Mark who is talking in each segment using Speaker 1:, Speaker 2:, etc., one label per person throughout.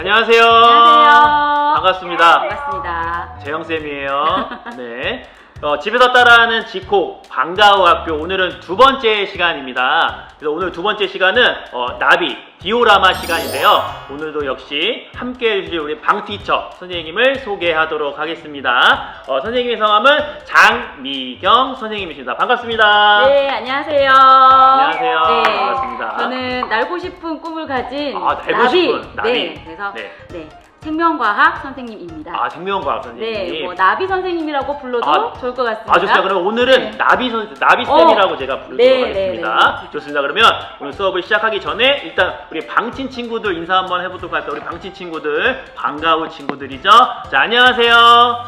Speaker 1: 안녕하세요.
Speaker 2: 안녕하세요.
Speaker 1: 반갑습니다.
Speaker 2: 반갑습니다.
Speaker 1: 재영쌤이에요. 네. 집에서 따라하는 지코 방과후 학교 오늘은 두 번째 시간입니다. 그래서 오늘 두 번째 시간은 나비 디오라마 시간인데요. 오늘도 역시 함께 해주실 우리 방티처 선생님을 소개하도록 하겠습니다. 선생님의 성함은 장미경 선생님이십니다. 반갑습니다.
Speaker 2: 네, 안녕하세요.
Speaker 1: 안녕하세요.
Speaker 2: 네,
Speaker 1: 반갑습니다.
Speaker 2: 저는 날고 싶은 꿈을 가진
Speaker 1: 날고 싶은 나비.
Speaker 2: 네, 그래서
Speaker 1: 네.
Speaker 2: 생명과학 선생님입니다.
Speaker 1: 생명과학 선생님.
Speaker 2: 네, 뭐 나비 선생님이라고 불러도 좋을 것 같습니다.
Speaker 1: 좋습니다. 그럼 오늘은
Speaker 2: 네.
Speaker 1: 나비쌤이라고 제가 부르도록
Speaker 2: 네,
Speaker 1: 하겠습니다.
Speaker 2: 네.
Speaker 1: 좋습니다. 그러면 오늘 수업을 시작하기 전에 일단 우리 방친 친구들 인사 한번 해보도록 할까요? 우리 방친 친구들, 방과후 친구들이죠. 자, 안녕하세요.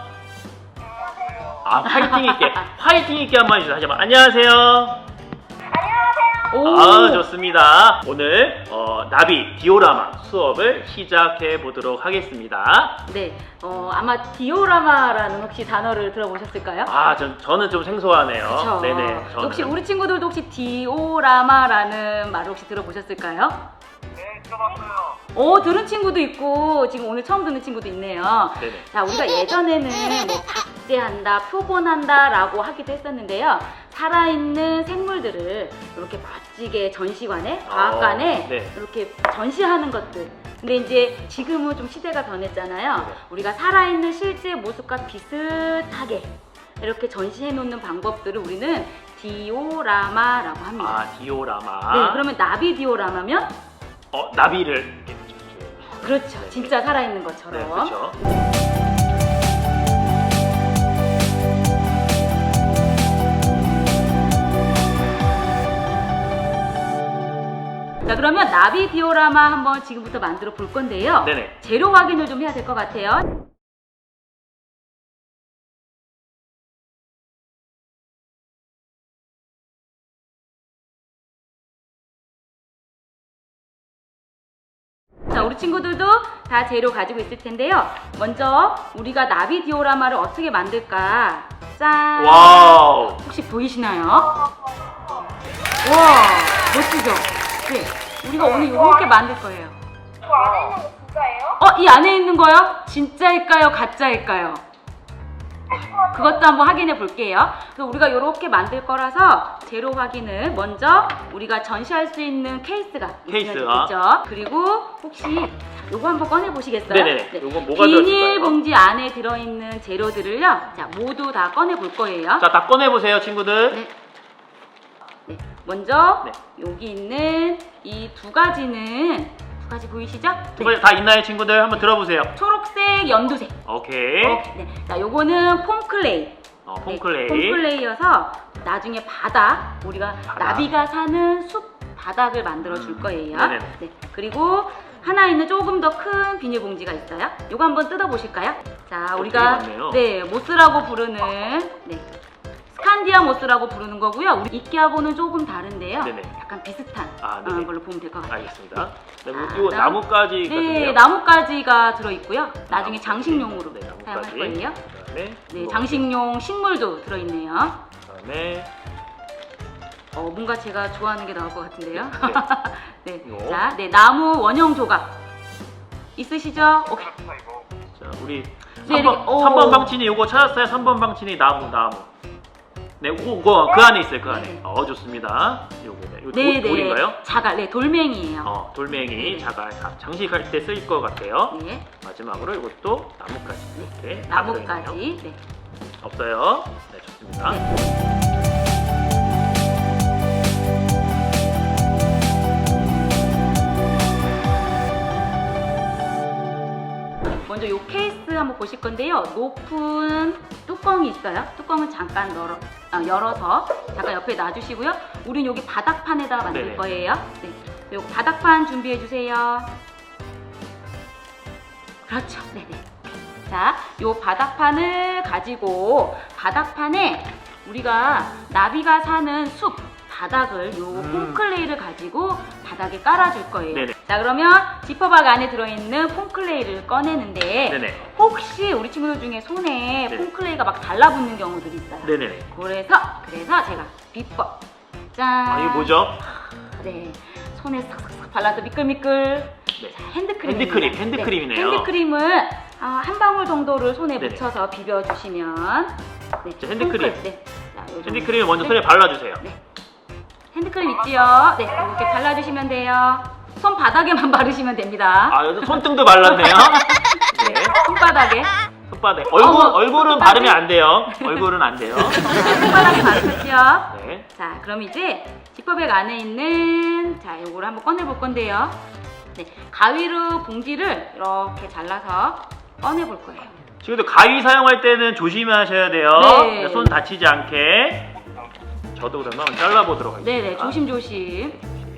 Speaker 1: 화이팅 있게 한번 해주세요. 하지 마. 안녕하세요. 좋습니다. 오늘 나비 디오라마 수업을 시작해 보도록 하겠습니다.
Speaker 2: 네, 아마 디오라마라는 혹시 단어를 들어보셨을까요?
Speaker 1: 저는 좀 생소하네요.
Speaker 2: 그쵸?
Speaker 1: 네네. 저는.
Speaker 2: 혹시 우리 친구들도 혹시 디오라마라는 말을 혹시 들어보셨을까요?
Speaker 3: 네, 들어봤어요.
Speaker 2: 들은 친구도 있고 지금 오늘 처음 듣는 친구도 있네요.
Speaker 1: 네네.
Speaker 2: 자, 우리가 예전에는 뭐 박제한다, 표본한다라고 하기도 했었는데요. 살아있는 생물들을 이렇게 멋지게 전시관에, 과학관에
Speaker 1: 네.
Speaker 2: 이렇게 전시하는 것들. 근데 이제 지금은 좀 시대가 변했잖아요.
Speaker 1: 네.
Speaker 2: 우리가 살아있는 실제 모습과 비슷하게 이렇게 전시해 놓는 방법들을 우리는 디오라마라고 합니다.
Speaker 1: 디오라마.
Speaker 2: 네, 그러면 나비 디오라마면?
Speaker 1: 나비를 이렇게 붙여주세요.
Speaker 2: 그렇죠.
Speaker 1: 네.
Speaker 2: 진짜 살아있는 것처럼.
Speaker 1: 네, 그렇죠.
Speaker 2: 자, 그러면 나비 디오라마 한번 지금부터 만들어 볼 건데요.
Speaker 1: 네네.
Speaker 2: 재료 확인을 좀 해야 될 것 같아요. 자, 우리 친구들도 다 재료 가지고 있을 텐데요. 먼저 우리가 나비 디오라마를 어떻게 만들까? 짠!
Speaker 1: 와우.
Speaker 2: 혹시 보이시나요? 와, 멋지죠? 네, 우리가 오늘 이렇게 만들 거예요.
Speaker 3: 이거 안에 있는 거 진짜예요?
Speaker 2: 이 안에 있는 거요? 진짜일까요? 가짜일까요? 그것도 한번 확인해 볼게요. 그래서 우리가 이렇게 만들 거라서 재료 확인을 먼저 우리가 전시할 수 있는 케이스가 있으면 좋겠죠. 그리고 혹시 요거 한번 꺼내 보시겠어요?
Speaker 1: 네네. 요건 뭐가 들어있을까요?
Speaker 2: 비닐봉지 안에 들어있는 재료들을요. 자, 모두 다 꺼내 볼 거예요.
Speaker 1: 자, 다 꺼내보세요, 친구들.
Speaker 2: 네. 네. 먼저
Speaker 1: 네.
Speaker 2: 여기 있는 이 두 가지는 두 가지 보이시죠?
Speaker 1: 두 가지 다 있나요, 친구들? 한번 들어보세요.
Speaker 2: 초록색, 연두색.
Speaker 1: 오케이.
Speaker 2: 네. 자, 요거는 폼클레이.
Speaker 1: 폼클레이.
Speaker 2: 네, 폼클레이여서 나중에 바닥, 우리가 나비가 사는 숲 바닥을 만들어 줄 거예요.
Speaker 1: 네네.
Speaker 2: 네. 그리고 하나 있는 조금 더 큰 비닐봉지가 있어요. 요거 한번 뜯어 보실까요? 자, 우리가
Speaker 1: 되게 많네요.
Speaker 2: 네, 모스라고 부르는 스칸디아 모스라고 부르는 거고요. 우리 이끼하고는 조금 다른데요.
Speaker 1: 네네.
Speaker 2: 약간 비슷한
Speaker 1: 네네.
Speaker 2: 걸로 보면 될 것 같아요.
Speaker 1: 알겠습니다.
Speaker 2: 네.
Speaker 1: 이거 나뭇가지 같은데요?
Speaker 2: 네, 나뭇가지가 들어 있고요. 나중에 장식용으로
Speaker 1: 네, 나뭇가지.
Speaker 2: 사용할 거예요.
Speaker 1: 그다음에
Speaker 2: 네, 장식용 식물도 들어 있네요.
Speaker 1: 그다음에
Speaker 2: 뭔가 제가 좋아하는 게 나올 것 같은데요. 네.
Speaker 1: 이거.
Speaker 2: 자, 나무 원형 조각 있으시죠? 오케이.
Speaker 3: 그렇다 이거.
Speaker 1: 자, 우리
Speaker 2: 네,
Speaker 1: 3번 방친이 요거 찾았어요. 3번 방친이 나무. 네, 그거 그 안에 있어요. 그 안에.
Speaker 2: 네.
Speaker 1: 좋습니다. 요거네. 이거
Speaker 2: 네,
Speaker 1: 돌인가요?
Speaker 2: 자갈, 돌멩이에요.
Speaker 1: 돌멩이,
Speaker 2: 네.
Speaker 1: 자갈 장식할 때 쓸 것 같아요.
Speaker 2: 네,
Speaker 1: 마지막으로 이것도 나뭇가지. 이렇게 다
Speaker 2: 나뭇가지.
Speaker 1: 들어있네요.
Speaker 2: 네.
Speaker 1: 없어요. 네, 좋습니다.
Speaker 2: 네. 먼저 이 케이스 한번 보실 건데요. 높은 뚜껑이 있어요. 뚜껑은 잠깐 열어서 잠깐 옆에 놔주시고요. 우린 여기 바닥판에다가 만들
Speaker 1: 네네.
Speaker 2: 거예요. 네. 요 바닥판 준비해 주세요. 그렇죠. 네네. 자, 요 바닥판을 가지고 바닥판에 우리가 나비가 사는 숲 바닥을 요 폼클레이를 가지고 바닥에 깔아줄 거예요.
Speaker 1: 네네.
Speaker 2: 자, 그러면 지퍼박 안에 들어있는 폼클레이를 꺼내는데
Speaker 1: 네네.
Speaker 2: 혹시 우리 친구들 중에 손에
Speaker 1: 네.
Speaker 2: 폼클레이가 막 달라붙는 경우들이 있어요.
Speaker 1: 네네네.
Speaker 2: 그래서 제가 비법 짠.
Speaker 1: 이게 뭐죠?
Speaker 2: 네, 손에 싹싹싹 발라서 미끌미끌.
Speaker 1: 네.
Speaker 2: 자, 핸드크림.
Speaker 1: 핸드크림이네요.
Speaker 2: 핸드크림을 한 방울 정도를 손에
Speaker 1: 네네.
Speaker 2: 묻혀서 비벼주시면. 네.
Speaker 1: 자, 핸드크림.
Speaker 2: 손끝, 네. 자, 요 정도.
Speaker 1: 핸드크림을 먼저
Speaker 2: 네.
Speaker 1: 손에 발라주세요.
Speaker 2: 네. 핸드크림 있지요? 네, 이렇게 발라주시면 돼요. 손바닥에만 바르시면 됩니다.
Speaker 1: 아, 여기 손등도 발랐네요.
Speaker 2: 네,
Speaker 1: 네.
Speaker 2: 손바닥에.
Speaker 1: 손바닥.
Speaker 2: 어머,
Speaker 1: 얼굴은
Speaker 2: 손바닥에.
Speaker 1: 바르면 안 돼요. 얼굴은 안 돼요.
Speaker 2: 손바닥에 바르셨죠?
Speaker 1: 네.
Speaker 2: 자, 그럼 이제 지퍼백 안에 있는 자, 요거를 한번 꺼내볼 건데요. 네, 가위로 봉지를 이렇게 잘라서 꺼내볼 거예요.
Speaker 1: 지금도 가위 사용할 때는 조심하셔야 돼요.
Speaker 2: 네.
Speaker 1: 손 다치지 않게. 저도 그러면 잘라보도록 하겠습니다.
Speaker 2: 네네, 조심조심.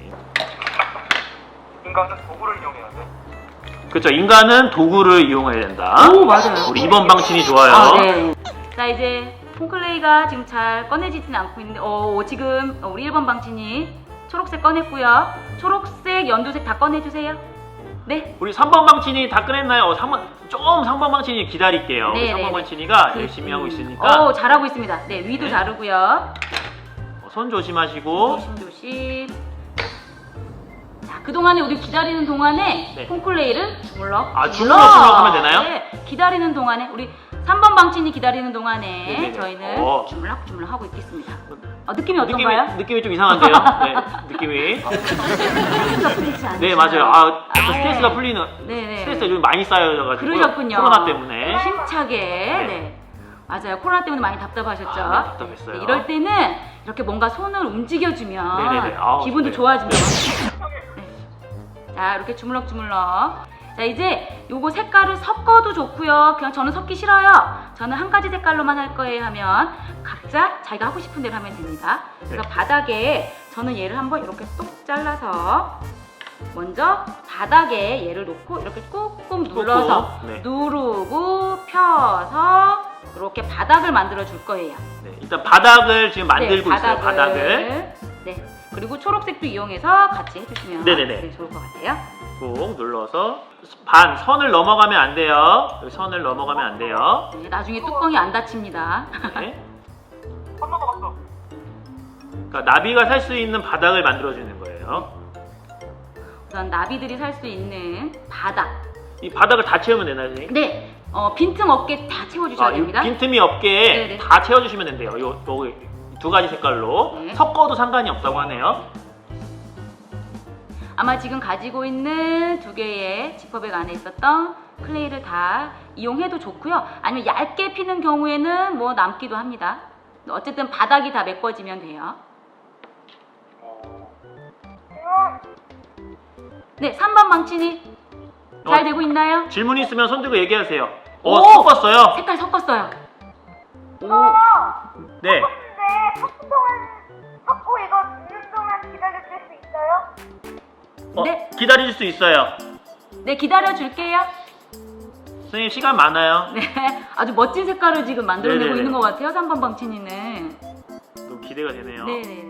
Speaker 3: 인간은 도구를 이용해야 돼.
Speaker 1: 그렇죠. 인간은 도구를 이용해야 된다.
Speaker 2: 오, 맞아요.
Speaker 1: 우리 2번 방침이 좋아요.
Speaker 2: 아, 네. 자, 이제 콩클레이가 지금 잘 꺼내지진 않고 있는데, 지금 우리 1번 방친이 초록색 꺼냈고요. 초록색, 연두색 다 꺼내주세요. 네.
Speaker 1: 우리 3번 방친이 다 꺼냈나요? 3번 방친이 기다릴게요.
Speaker 2: 네,
Speaker 1: 3번
Speaker 2: 네,
Speaker 1: 방친이가 열심히 하고 있으니까
Speaker 2: 잘하고 있습니다. 네, 위도
Speaker 1: 네.
Speaker 2: 자르고요.
Speaker 1: 손 조심하시고.
Speaker 2: 조심조심. 자, 그동안에 우리 기다리는 동안에
Speaker 1: 네.
Speaker 2: 콩클레이를 주물럭.
Speaker 1: 주물럭 하면 되나요?
Speaker 2: 네, 기다리는 동안에 우리 3번 방친이 기다리는 동안에
Speaker 1: 네네네.
Speaker 2: 저희는 주물럭 하고 있겠습니다. 느낌이 어떤가요?
Speaker 1: 느낌이 좀 이상한데요? 네, 느낌이.
Speaker 2: 스트레스가 풀리지 않아요.
Speaker 1: 네, 맞아요. 스트레스가 풀리는.
Speaker 2: 네네.
Speaker 1: 스트레스가 요즘 많이 쌓여가지고.
Speaker 2: 그러셨군요.
Speaker 1: 코로나 때문에.
Speaker 2: 힘차게.
Speaker 1: 네.
Speaker 2: 네. 맞아요. 코로나 때문에 많이 답답하셨죠?
Speaker 1: 네, 답답했어요.
Speaker 2: 네, 이럴 때는 이렇게 뭔가 손을 움직여주면
Speaker 1: 네네네.
Speaker 2: 기분도
Speaker 1: 네.
Speaker 2: 좋아집니다. 네. 자, 이렇게 주물럭주물럭. 자, 이제 요거 색깔을 섞어도 좋고요. 그냥 저는 섞기 싫어요. 저는 한 가지 색깔로만 할 거예요 하면 각자 자기가 하고 싶은 대로 하면 됩니다. 그래서
Speaker 1: 네.
Speaker 2: 바닥에 저는 얘를 한번 이렇게 똑 잘라서 먼저 바닥에 얘를 놓고 이렇게 꾹꾹 눌러서
Speaker 1: 네.
Speaker 2: 누르고 펴서 이렇게 바닥을 만들어 줄 거예요.
Speaker 1: 네, 일단 바닥을 지금 만들고
Speaker 2: 네,
Speaker 1: 있어요. 바닥을.
Speaker 2: 네. 그리고 초록색도 이용해서 같이 해주시면
Speaker 1: 네네네.
Speaker 2: 네, 좋을 것 같아요.
Speaker 1: 꾹 눌러서 선을 넘어가면 안 돼요. 여기 선을 넘어가면 안 돼요.
Speaker 2: 네, 나중에 뚜껑이 안 닫힙니다.
Speaker 1: 네.
Speaker 3: 한 넘어갔어.
Speaker 1: 그러니까 나비가 살 수 있는 바닥을 만들어주는 거예요.
Speaker 2: 우선 나비들이 살 수 있는 바닥.
Speaker 1: 이 바닥을 다 채우면 되나요, 선생님?
Speaker 2: 네, 빈틈 없게 다 채워주셔야 됩니다.
Speaker 1: 빈틈이 없게
Speaker 2: 네네.
Speaker 1: 다 채워주시면 된대요. 요 두 가지 색깔로
Speaker 2: 네.
Speaker 1: 섞어도 상관이 없다고 하네요.
Speaker 2: 아마 지금 가지고 있는 두 개의 지퍼백 안에 있었던 클레이를 다 이용해도 좋고요. 아니면 얇게 피는 경우에는 뭐 남기도 합니다. 어쨌든 바닥이 다 메꿔지면 돼요. 네, 3번 망치니 잘 되고 있나요?
Speaker 1: 질문 있으면 손 들고 얘기하세요.
Speaker 2: 오!
Speaker 1: 섞었어요.
Speaker 2: 색깔 섞었어요. 오,
Speaker 1: 네.
Speaker 3: 근데 섞은 동안 섞고 이거 굽는 동안 기다려줄 수 있어요?
Speaker 2: 네.
Speaker 1: 기다릴 수 있어요.
Speaker 2: 네, 기다려 줄게요.
Speaker 1: 선생님 시간 많아요.
Speaker 2: 네, 아주 멋진 색깔을 지금 만들어내고
Speaker 1: 네네네.
Speaker 2: 있는 것 같아요. 3번 방친이는.
Speaker 1: 또 기대가 되네요.
Speaker 2: 네네.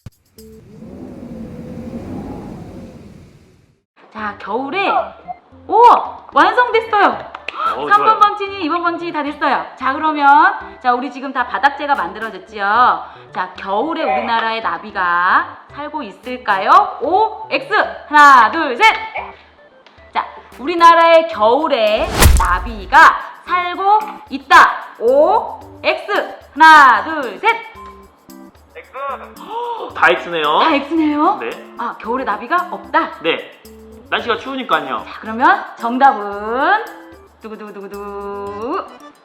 Speaker 2: 자, 겨울에 오! 완성됐어요. 3번
Speaker 1: 좋아요.
Speaker 2: 방친이, 2번 방친이 다 됐어요. 자, 그러면 자, 우리 지금 다 바닥재가 만들어졌지요. 자, 겨울에 우리나라의 나비가 살고 있을까요? O, X. 하나, 둘, 셋. 자, 우리나라의 겨울에 나비가 살고 있다. O, X. 하나, 둘, 셋.
Speaker 3: X.
Speaker 1: 다 X네요.
Speaker 2: 다 X네요.
Speaker 1: 네.
Speaker 2: 아, 겨울에 나비가 없다.
Speaker 1: 네. 날씨가 추우니까요.
Speaker 2: 자, 그러면 정답은 두구두구두구두.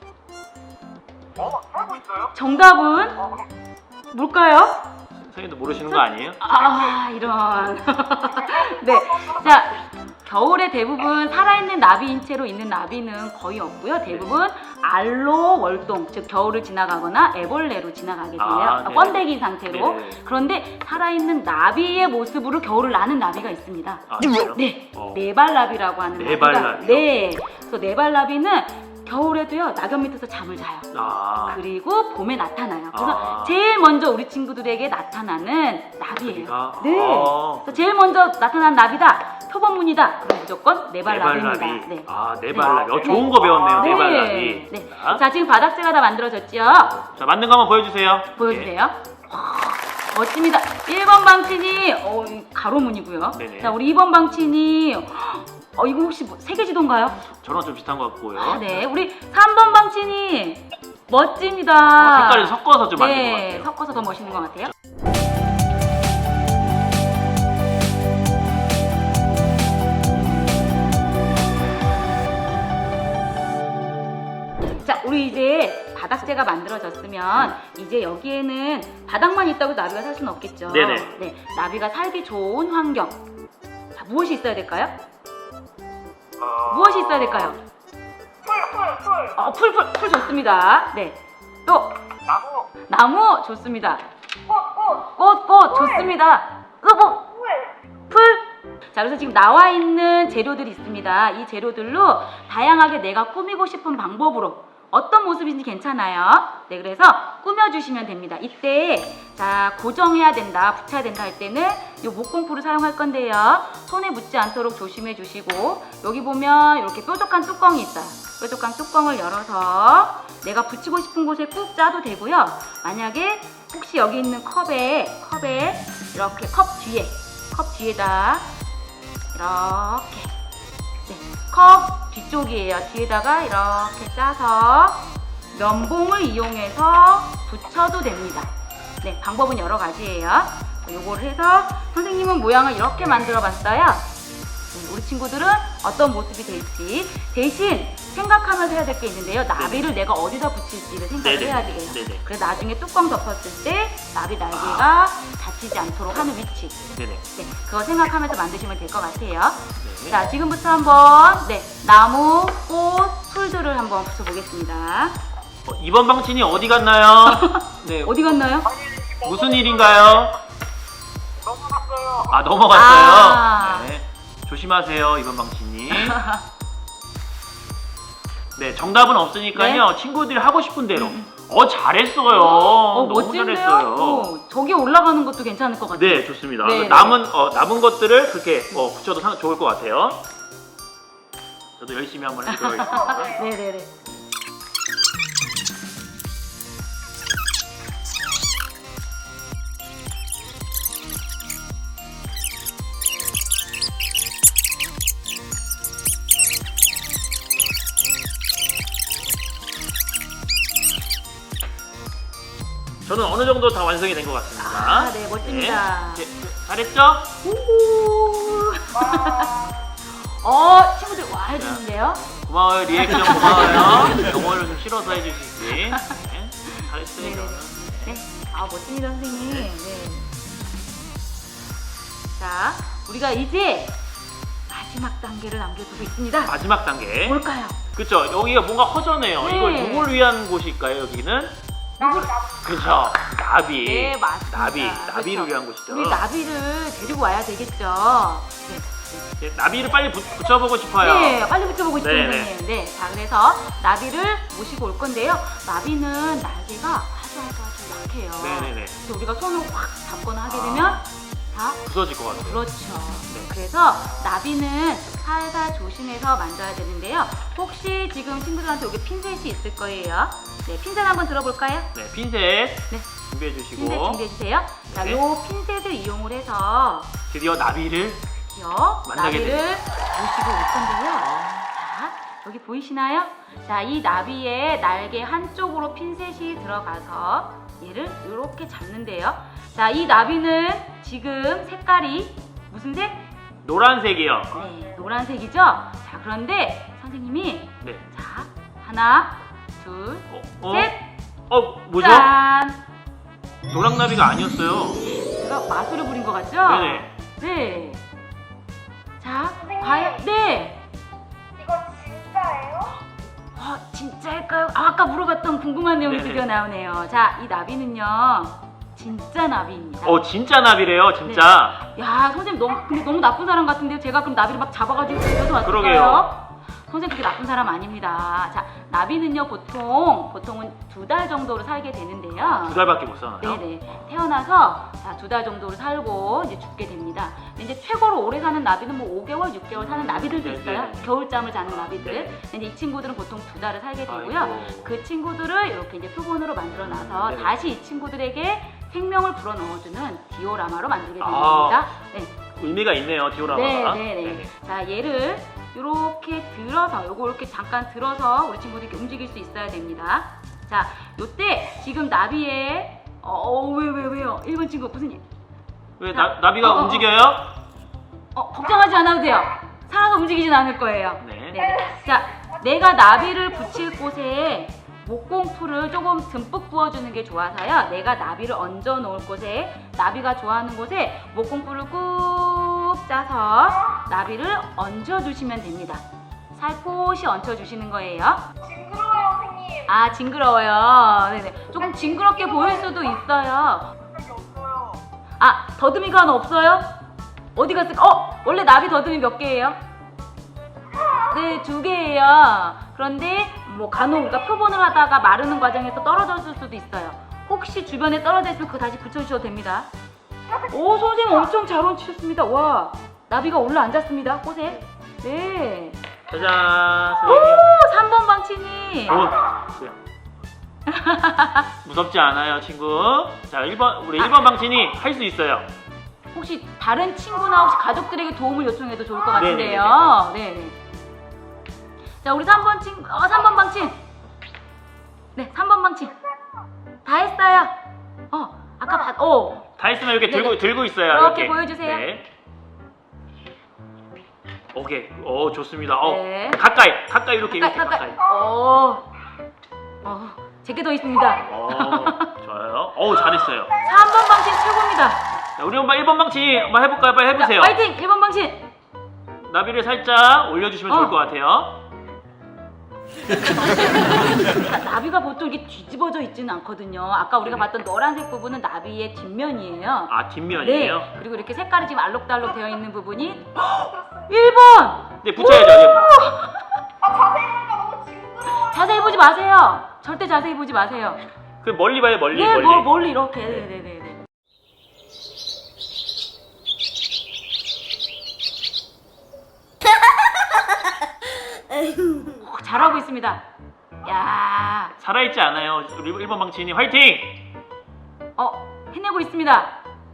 Speaker 3: 살고 있어요?
Speaker 2: 정답은 뭘까요?
Speaker 1: 선생님도 모르시는 거 아니에요?
Speaker 2: 아, 이런. 네. 자, 겨울에 대부분 살아있는 나비 인체로 있는 나비는 거의 없고요. 대부분 알로 월동, 즉 겨울을 지나가거나 애벌레로 지나가게 돼요.
Speaker 1: 네.
Speaker 2: 번데기 상태로.
Speaker 1: 네.
Speaker 2: 그런데 살아있는 나비의 모습으로 겨울을 나는 나비가 있습니다.
Speaker 1: 아, 진짜요?
Speaker 2: 네.
Speaker 1: 어.
Speaker 2: 네발나비라고 하는
Speaker 1: 네발나비요?
Speaker 2: 나비가. 네. 그래서 네발나비는 겨울에도요, 낙엽 밑에서 잠을 자요.
Speaker 1: 아.
Speaker 2: 그리고 봄에 나타나요. 그래서
Speaker 1: 아.
Speaker 2: 제일 먼저 우리 친구들에게 나타나는 나비예요.
Speaker 1: 나비가?
Speaker 2: 네.
Speaker 1: 아.
Speaker 2: 그래서 제일 먼저 나타난 나비다. 표본문이다. 그럼 무조건 네발나비입니다.
Speaker 1: 네발나비.
Speaker 2: 네.
Speaker 1: 아, 네발나비. 좋은 거 배웠네요.
Speaker 2: 네.
Speaker 1: 네발나비.
Speaker 2: 네.
Speaker 1: 자,
Speaker 2: 자, 지금 바닥재가 다 만들어졌죠?
Speaker 1: 자, 만든 거 한번 보여주세요.
Speaker 2: 보여주세요. 멋집니다. 1번 방친이 가로문이고요.
Speaker 1: 네네.
Speaker 2: 자, 우리 2번 방친이 이거 혹시 뭐 세계지도인가요?
Speaker 1: 저랑 좀 비슷한 것 같고요.
Speaker 2: 아, 네. 우리 3번 방친이 멋집니다.
Speaker 1: 색깔을 섞어서 좀 만든 것
Speaker 2: 네,
Speaker 1: 같아요.
Speaker 2: 섞어서 더 멋있는 것 같아요. 자, 우리 이제 바닥재가 만들어졌으면 이제 여기에는 바닥만 있다고 나비가 살 수는 없겠죠.
Speaker 1: 네네.
Speaker 2: 네, 나비가 살기 좋은 환경. 자, 무엇이 있어야 될까요? 무엇이 있어야 될까요? 풀 좋습니다. 네. 또 나무 좋습니다. 꽃 좋습니다. 또 풀. 자, 그래서 지금 나와 있는 재료들이 있습니다. 이 재료들로 다양하게 내가 꾸미고 싶은 방법으로 어떤 모습인지 괜찮아요. 네, 그래서 꾸며주시면 됩니다. 이때 자, 고정해야 된다, 붙여야 된다 할 때는 이 목공풀을 사용할 건데요. 손에 묻지 않도록 조심해 주시고, 여기 보면 이렇게 뾰족한 뚜껑이 있어요. 뾰족한 뚜껑을 열어서 내가 붙이고 싶은 곳에 꾹 짜도 되고요. 만약에 혹시 여기 있는 컵에 이렇게 컵 뒤에다 이렇게, 네, 컵 뒤쪽이에요. 뒤에다가 이렇게 짜서 면봉을 이용해서 붙여도 됩니다. 네, 방법은 여러 가지예요. 요거를 해서 선생님은 모양을 이렇게 만들어 봤어요. 우리 친구들은 어떤 모습이 될지 대신 생각하면서 해야 될 게 있는데요. 나비를 내가 어디다 붙일지를 생각을
Speaker 1: 네네.
Speaker 2: 해야 돼요.
Speaker 1: 네네.
Speaker 2: 그래서 나중에 뚜껑 덮었을 때 나비 날개가 다치지 않도록 하는 위치,
Speaker 1: 네네.
Speaker 2: 네, 그거 생각하면서 만드시면 될 것 같아요.
Speaker 1: 네.
Speaker 2: 자, 지금부터 한번 나무, 꽃, 풀들을 한번 붙여보겠습니다.
Speaker 1: 2번 방친이 어디 갔나요? 네.
Speaker 2: 어디 갔나요?
Speaker 1: 무슨 일인가요?
Speaker 3: 넘어갔어요.
Speaker 1: 넘어갔어요.
Speaker 2: 아.
Speaker 1: 네. 조심하세요, 2번 방친이. 네, 정답은 없으니까요. 친구들이 하고 싶은 대로. 잘했어요. 너무
Speaker 2: 멋진데요?
Speaker 1: 잘했어요.
Speaker 2: 저기 올라가는 것도 괜찮을 것 같아요.
Speaker 1: 네, 좋습니다.
Speaker 2: 네,
Speaker 1: 남은 것들을 그렇게 붙여도 좋을 것 같아요. 저도 열심히 한번 해보도록 하겠습니다.
Speaker 2: 네네네.
Speaker 1: 저는 어느 정도 다 완성이 된 것 같습니다.
Speaker 2: 네, 멋집니다.
Speaker 1: 네. 잘했죠?
Speaker 2: 친구들 와 해주는데요.
Speaker 1: 고마워요. 리액션 고마워요. 영어를 좀 실어서 해주시지. 네. 잘했어요.
Speaker 2: 네네네.
Speaker 1: 저는.
Speaker 2: 네. 멋집니다, 선생님. 네. 자, 우리가 이제 마지막 단계를 남겨두고 있습니다.
Speaker 1: 마지막 단계.
Speaker 2: 뭘까요?
Speaker 1: 그쵸? 여기가 뭔가 허전해요.
Speaker 2: 네.
Speaker 1: 이걸 누굴 위한 곳일까요, 여기는? 그쵸? 나비.
Speaker 2: 네, 맞습니다.
Speaker 1: 나비를
Speaker 2: 그렇죠.
Speaker 1: 위한 곳이죠.
Speaker 2: 우리 나비를 데리고 와야 되겠죠.
Speaker 1: 네, 나비를 빨리 붙여보고 싶어요.
Speaker 2: 네, 빨리 붙여보고 싶은
Speaker 1: 네네.
Speaker 2: 선생님. 네, 자, 그래서 나비를 모시고 올 건데요. 나비는 날개가 아주 약해요.
Speaker 1: 네네네.
Speaker 2: 그래서 우리가 손을 확 잡거나 하게 되면 다
Speaker 1: 부서질 것 같아요.
Speaker 2: 그렇죠.
Speaker 1: 네.
Speaker 2: 그래서 나비는 살살 조심해서 만져야 되는데요. 혹시 지금 친구들한테 여기 핀셋이 있을 거예요. 네, 핀셋 한번 들어볼까요?
Speaker 1: 네, 핀셋
Speaker 2: 네,
Speaker 1: 준비해 주시고
Speaker 2: 핀셋 준비해 주세요. 자,
Speaker 1: 네.
Speaker 2: 요 핀셋을 이용을 해서
Speaker 1: 드디어 나비를 만나게
Speaker 2: 나비를 모시고 올 건데요. 자, 여기 보이시나요? 자, 이 나비의 날개 한쪽으로 핀셋이 들어가서 얘를 이렇게 잡는데요. 자, 이 나비는 지금 색깔이 무슨 색?
Speaker 1: 노란색이요.
Speaker 2: 네, 노란색이죠? 자, 그런데 선생님이
Speaker 1: 네.
Speaker 2: 자, 하나, 둘, 셋!
Speaker 1: 뭐죠?
Speaker 2: 짠!
Speaker 1: 노랑나비가 아니었어요.
Speaker 2: 제가 마술을 부린 것 같죠?
Speaker 1: 네네.
Speaker 2: 네. 자,
Speaker 3: 선생님.
Speaker 2: 과연, 네!
Speaker 3: 이거 진짜예요?
Speaker 2: 진짜일까요? 아까 물어봤던 궁금한 내용이
Speaker 1: 네네.
Speaker 2: 드디어 나오네요. 자, 이 나비는요, 진짜 나비입니다.
Speaker 1: 진짜 나비래요, 진짜.
Speaker 2: 야, 선생님 근데 너무 나쁜 사람 같은데요? 제가 그럼 나비를 막 잡아가지고 집에서 왔을까요?
Speaker 1: 그러게요.
Speaker 2: 선생님 그렇게 나쁜 사람 아닙니다. 자, 나비는요 보통은 2달 정도로 살게 되는데요.
Speaker 1: 2달밖에 못 사나요?
Speaker 2: 네네. 태어나서 2달 정도로 살고 이제 죽게 됩니다. 근데 이제 최고로 오래 사는 나비는 뭐 5개월, 6개월 사는 나비들도
Speaker 1: 네네.
Speaker 2: 있어요. 겨울잠을 자는 나비들.
Speaker 1: 네.
Speaker 2: 근데 이 친구들은 보통 2달을 살게 되고요.
Speaker 1: 아이고.
Speaker 2: 그 친구들을 이렇게 이제 표본으로 만들어 놔서
Speaker 1: 네네.
Speaker 2: 다시 이 친구들에게 생명을 불어넣어주는 디오라마로 만들게 된
Speaker 1: 아.
Speaker 2: 겁니다. 네.
Speaker 1: 의미가 있네요, 디오라마가.
Speaker 2: 네네네. 자, 얘를 이렇게 들어서, 요거 이렇게 잠깐 들어서 우리 친구들이 이렇게 움직일 수 있어야 됩니다. 자, 요때 지금 나비의 왜요? 1번 친구 무슨 일?
Speaker 1: 왜 나비가 움직여요?
Speaker 2: 걱정하지 않아도 돼요. 살아서 움직이진 않을 거예요.
Speaker 1: 네.
Speaker 2: 네. 자, 내가 나비를 붙일 곳에 목공풀을 조금 듬뿍 부어주는 게 좋아서요. 내가 나비를 얹어 놓을 곳에, 나비가 좋아하는 곳에 목공풀을 꾹 짜서 나비를 얹어 주시면 됩니다. 살포시 얹혀 주시는 거예요.
Speaker 3: 징그러워요, 선생님.
Speaker 2: 아, 징그러워요. 네네. 조금 징그럽게 보일 수도 있어요.
Speaker 3: 적이 없어요.
Speaker 2: 아, 더듬이가 하나 없어요? 어디 갔을까? 원래 나비 더듬이 몇 개예요? 네, 2개예요. 그런데 뭐 간혹 우리가 표본을 하다가 마르는 과정에서 떨어졌을 수도 있어요. 혹시 주변에 떨어져 있으면 그거 다시 붙여주셔도 됩니다. 오, 선생님 엄청 잘 얹히셨습니다. 와, 나비가 올라앉았습니다, 꽃에. 네.
Speaker 1: 짜잔,
Speaker 2: 오,
Speaker 1: 선생님.
Speaker 2: 3번 방치님.
Speaker 1: 무섭지 않아요, 친구. 자, 우리 1번 방친이 할 수 있어요.
Speaker 2: 혹시 다른 친구나 혹시 가족들에게 도움을 요청해도 좋을 것 같은데요. 네네. 자, 우리 3번 친구, 3번 방친. 네, 3번 방친. 다 했어요. 아까
Speaker 1: 다 했으면 이렇게
Speaker 2: 네네.
Speaker 1: 들고 있어요.
Speaker 2: 이렇게 보여주세요.
Speaker 1: 네. 오케이. 좋습니다.
Speaker 2: 네.
Speaker 1: 가까이 이렇게
Speaker 2: 가까이. 제게 더 있습니다.
Speaker 1: 좋아요. 잘했어요.
Speaker 2: 3번 방친 최고입니다.
Speaker 1: 자, 우리 엄마 1번 방친 한번 해볼까요? 빨리 해보세요.
Speaker 2: 자, 파이팅! 1번 방친.
Speaker 1: 나비를 살짝 올려주시면 좋을 것 같아요.
Speaker 2: 나비가 보통 이렇게 뒤집어져 있지는 않거든요. 아까 우리가 봤던 노란색 부분은 나비의 뒷면이에요.
Speaker 1: 아, 뒷면이에요?
Speaker 2: 네. 그리고 이렇게 색깔이 지금 알록달록 되어 있는 부분이 1번!
Speaker 1: 네, 붙여야죠.
Speaker 3: 자세히 보니까 너무 징그러워요.
Speaker 2: 자세히 보지 마세요. 절대 자세히 보지 마세요.
Speaker 1: 그 멀리 봐요, 멀리.
Speaker 2: 네,
Speaker 1: 멀리.
Speaker 2: 멀리 이렇게. 네네네. 잘하고 있습니다. 야,
Speaker 1: 살아있지 않아요. 우리 1번 방친이 화이팅!
Speaker 2: 해내고 있습니다.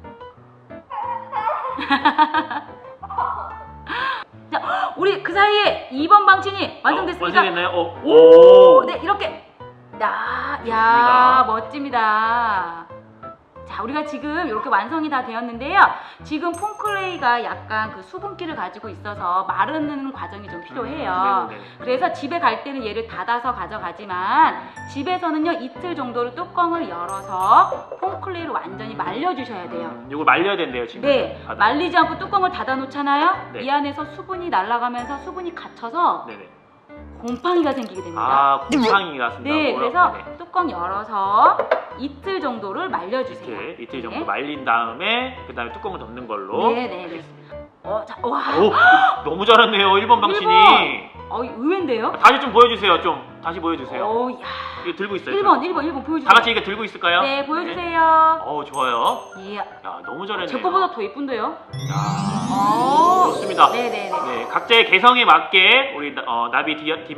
Speaker 2: 자, 우리 그 사이에 2번 방친이 완성됐습니다.
Speaker 1: 완성됐나요?
Speaker 2: 오, 네, 이렇게. 야,
Speaker 1: 좋습니다.
Speaker 2: 멋집니다. 자, 우리가 지금 이렇게 완성이 다 되었는데요. 지금 폼클레이가 약간 그 수분기를 가지고 있어서 마르는 과정이 좀 필요해요.
Speaker 1: 네네네.
Speaker 2: 그래서 집에 갈 때는 얘를 닫아서 가져가지만 집에서는요, 이틀 정도를 뚜껑을 열어서 폼클레이를 완전히 말려주셔야 돼요.
Speaker 1: 이걸 말려야 된대요, 지금.
Speaker 2: 네, 말리지 않고 뚜껑을 닫아 놓잖아요.
Speaker 1: 네.
Speaker 2: 이 안에서 수분이 날아가면서 수분이 갇혀서
Speaker 1: 네네.
Speaker 2: 곰팡이가 생기게 됩니다.
Speaker 1: 아, 곰팡이가 쓴다고요?
Speaker 2: 네, 그래서
Speaker 1: 네네.
Speaker 2: 뚜껑 열어서 이틀 정도를 말려주세요.
Speaker 1: 이틀 정도
Speaker 2: 네.
Speaker 1: 말린 다음에 그 다음에 뚜껑을 덮는 걸로.
Speaker 2: 네네네. 자, 와.
Speaker 1: 너무 잘했네요, 1번 방친이.
Speaker 2: 의외인데요?
Speaker 1: 다시 좀 보여주세요, 다시 보여주세요.
Speaker 2: 야.
Speaker 1: 이거 들고 있어요.
Speaker 2: 1번 보여주세요.
Speaker 1: 다 같이 이거 들고 있을까요?
Speaker 2: 네, 보여주세요.
Speaker 1: 좋아요.
Speaker 2: 이야.
Speaker 1: 야, 너무 잘했네요.
Speaker 2: 제 거보다 더 예쁜데요?
Speaker 1: 야, 좋습니다.
Speaker 2: 네네네.
Speaker 1: 네, 각자의 개성에 맞게 우리 나비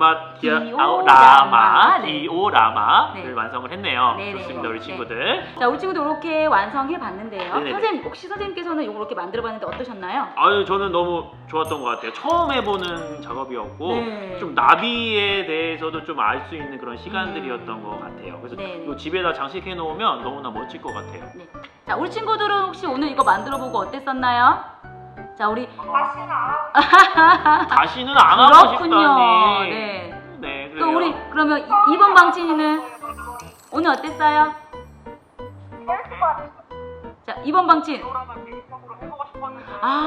Speaker 2: 디오라마. 네.
Speaker 1: 디오라마를
Speaker 2: 네.
Speaker 1: 완성을 했네요.
Speaker 2: 네네.
Speaker 1: 좋습니다, 우리
Speaker 2: 네.
Speaker 1: 친구들.
Speaker 2: 자, 우리 친구들 이렇게 완성해 봤는데요.
Speaker 1: 네네네.
Speaker 2: 선생님, 혹시 선생님께서는 이거 이렇게 만들어 봤는데 어떠셨나요?
Speaker 1: 아유, 저는 너무 좋았던 것 같아요. 처음 해보는 작업이었고
Speaker 2: 네.
Speaker 1: 좀 나비에 대해서도 좀 알 수 있는 그런 시간들이었던 것 같아요. 그래서
Speaker 2: 네.
Speaker 1: 이 집에다 장식해 놓으면 너무나 멋질 것 같아요.
Speaker 2: 네. 자, 우리 친구들은 혹시 오늘 이거 만들어 보고 어땠었나요? 자, 우리
Speaker 3: 다시는 안 하고
Speaker 1: 다시는 안 하고
Speaker 2: 그렇군요.
Speaker 1: 싶다니.
Speaker 2: 네.
Speaker 1: 네,
Speaker 2: 또
Speaker 1: 그래요.
Speaker 2: 우리 그러면 2번 방친이는 오늘 어땠어요?
Speaker 3: 재밌을 것 같아요.
Speaker 2: 자, 2번 방친.
Speaker 4: 디오라마 개인적으로 해보고 싶었는데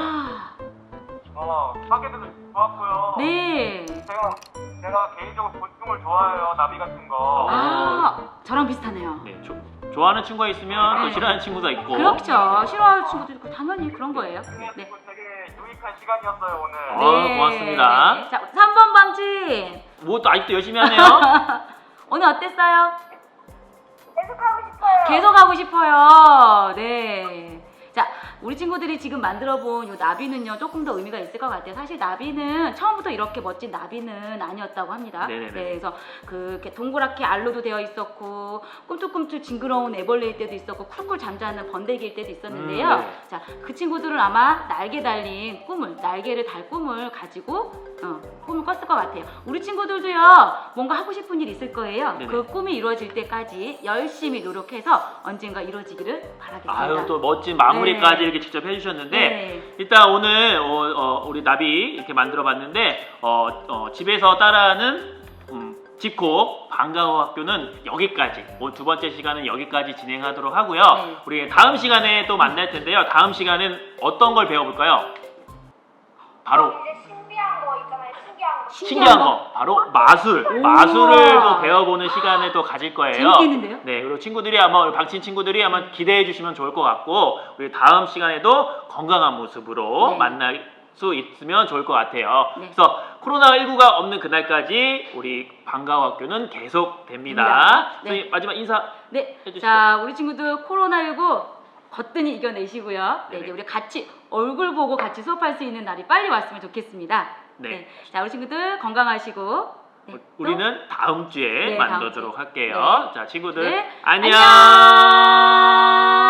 Speaker 4: 하게 돼서 좋았고요.
Speaker 2: 네.
Speaker 4: 제가 개인적으로 곤충을 좋아해요. 나비 같은 거.
Speaker 2: 저랑 비슷하네요.
Speaker 1: 네, 좋아하는 친구가 있으면 또
Speaker 2: 네.
Speaker 1: 싫어하는 친구가 있고.
Speaker 2: 그렇죠. 싫어하는 친구도 있고 당연히 그런 거예요. 네.
Speaker 4: 그리고 되게 유익한 시간이었어요 오늘.
Speaker 1: 고맙습니다.
Speaker 2: 네. 자, 3번 방친.
Speaker 1: 뭐 또 아직도 열심히 하네요.
Speaker 2: 오늘 어땠어요?
Speaker 3: 계속 하고 싶어요.
Speaker 2: 계속 하고 싶어요. 네. 자, 우리 친구들이 지금 만들어본 이 나비는요 조금 더 의미가 있을 것 같아요. 사실 나비는 처음부터 이렇게 멋진 나비는 아니었다고 합니다.
Speaker 1: 네네네.
Speaker 2: 네, 그래서 이렇게 동그랗게 알로도 되어 있었고 꿈틀꿈틀 징그러운 애벌레일 때도 있었고 쿨쿨 잠자는 번데기일 때도 있었는데요.
Speaker 1: 네.
Speaker 2: 자, 그 친구들은 아마 날개 달린 꿈을, 날개를 달 꿈을 가지고 꿈을 꿨을 것 같아요. 우리 친구들도요 뭔가 하고 싶은 일 있을 거예요.
Speaker 1: 네네.
Speaker 2: 그 꿈이 이루어질 때까지 열심히 노력해서 언젠가 이루어지기를 바라겠습니다.
Speaker 1: 아유, 또 멋진 마무리까지
Speaker 2: 네.
Speaker 1: 이렇게 직접 해주셨는데
Speaker 2: 네.
Speaker 1: 일단 오늘 우리 나비 이렇게 만들어봤는데 집에서 따라하는 집콕 방과후 학교는 여기까지, 오늘 두 번째 시간은 여기까지 진행하도록 하고요.
Speaker 2: 네.
Speaker 1: 우리 다음 시간에 또 만날 텐데요. 다음 시간은 어떤 걸 배워볼까요? 바로
Speaker 3: 이제 신비한 거 있잖아요. 신기한 거.
Speaker 1: 신기한 거, 바로 마술,
Speaker 2: 오.
Speaker 1: 마술을 또 배워보는 시간을 또 가질 거예요.
Speaker 2: 재밌겠는데요?
Speaker 1: 네, 그리고 친구들이 아마 우리 박친 친구들이 아마 기대해 주시면 좋을 것 같고, 우리 다음 시간에도 건강한 모습으로
Speaker 2: 네.
Speaker 1: 만날 수 있으면 좋을 것 같아요.
Speaker 2: 네.
Speaker 1: 그래서 코로나19가 없는 그날까지 우리 방과후 학교는 계속됩니다.
Speaker 2: 네.
Speaker 1: 선생님, 마지막 인사
Speaker 2: 네.
Speaker 1: 해주시죠.
Speaker 2: 자, 우리 친구들 코로나19 거뜬히 이겨내시고요. 네,
Speaker 1: 네네.
Speaker 2: 이제 우리 같이 얼굴 보고 같이 수업할 수 있는 날이 빨리 왔으면 좋겠습니다.
Speaker 1: 네.
Speaker 2: 자, 우리 친구들 건강하시고 네, 또
Speaker 1: 우리는 다음 주에
Speaker 2: 네, 다음
Speaker 1: 만나도록
Speaker 2: 주에.
Speaker 1: 할게요.
Speaker 2: 네.
Speaker 1: 자, 친구들
Speaker 2: 네,
Speaker 1: 안녕.
Speaker 2: 안녕.